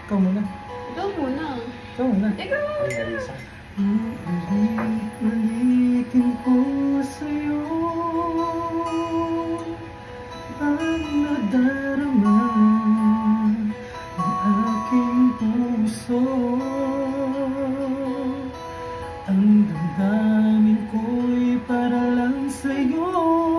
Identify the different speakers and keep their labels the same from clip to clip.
Speaker 1: Ikaw muna.
Speaker 2: Ikaw muna.
Speaker 1: Ikaw muna.
Speaker 2: Ikaw.
Speaker 3: Ay, Marisa.
Speaker 1: Ulit-ulitin ko sa'yo ang nadarama ng aking puso. Ang damdamin ko'y para lang sa'yo,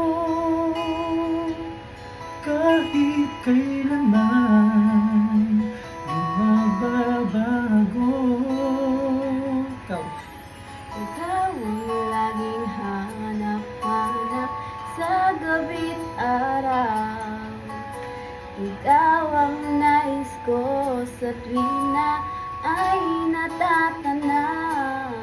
Speaker 1: kahit kailanman di magbabago. Ikaw.
Speaker 2: Ikaw ang laging hanap-hanap sa gabi't araw. Ikaw ang nais ko sa tuwina ay natatanaw.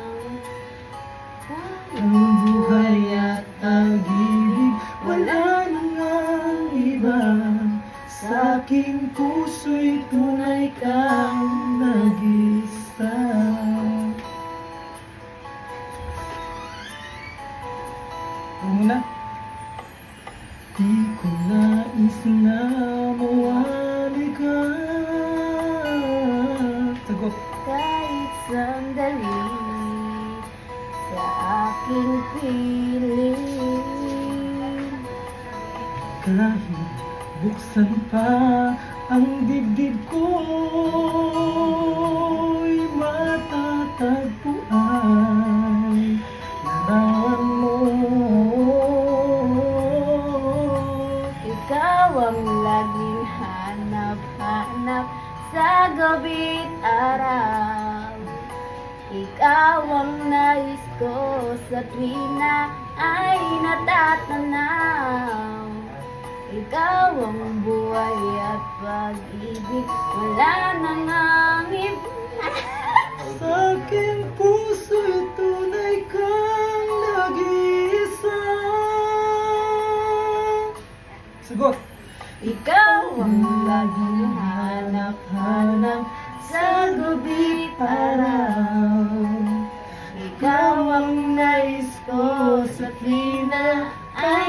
Speaker 1: Ang buhay at pag-ibig, wala nang ang iba. Sa aking puso'y tunay kang nag-isa. Una, di ko nais na mawali ka. Sagot.
Speaker 2: Kahit sandali sa aking piling.
Speaker 1: Kahit buksan pa ang dibdib ko'y matatagpuan. Larawan mo.
Speaker 2: Ikaw ang laging hanap-hanap sa gabi't araw. Ikaw ang nais ko sa tuwina ay natatanaw. Ikaw ang buhay at pag-ibig, wala nang ang iba.
Speaker 1: Sa aking puso'y tunay kang nag-iisa. Sagot.
Speaker 2: Ikaw ang laging hanap-hanap sa gabi't araw. Ikaw ang nais ko sa tuwina ay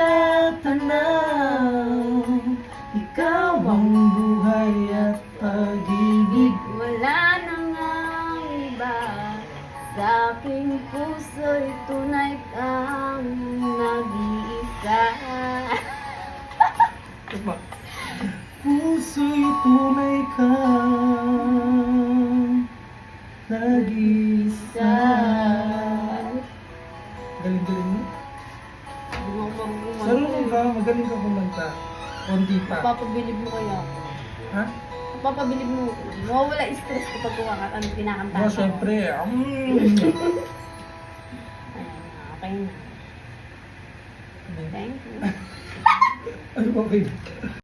Speaker 2: natatanaw.
Speaker 1: Ikaw ang buhay at pag-ibig.
Speaker 2: Wala nang ang iba. Sa aking puso'y tunay kang nag-iisa.
Speaker 1: Puso'y tunay kang nag-isa. Galing-galing mo. Sarunong ka, magaling ka kumanta. Konti pa.
Speaker 2: Papabilib mo kaya ako.
Speaker 1: Ha?
Speaker 2: Papabilib mo. Mawawala stress kapag kumakanta ang kinakanta
Speaker 1: Oh,
Speaker 2: ko.
Speaker 1: syempre.
Speaker 2: Ayan, okay na. Thank you.
Speaker 1: Ano ba, babe?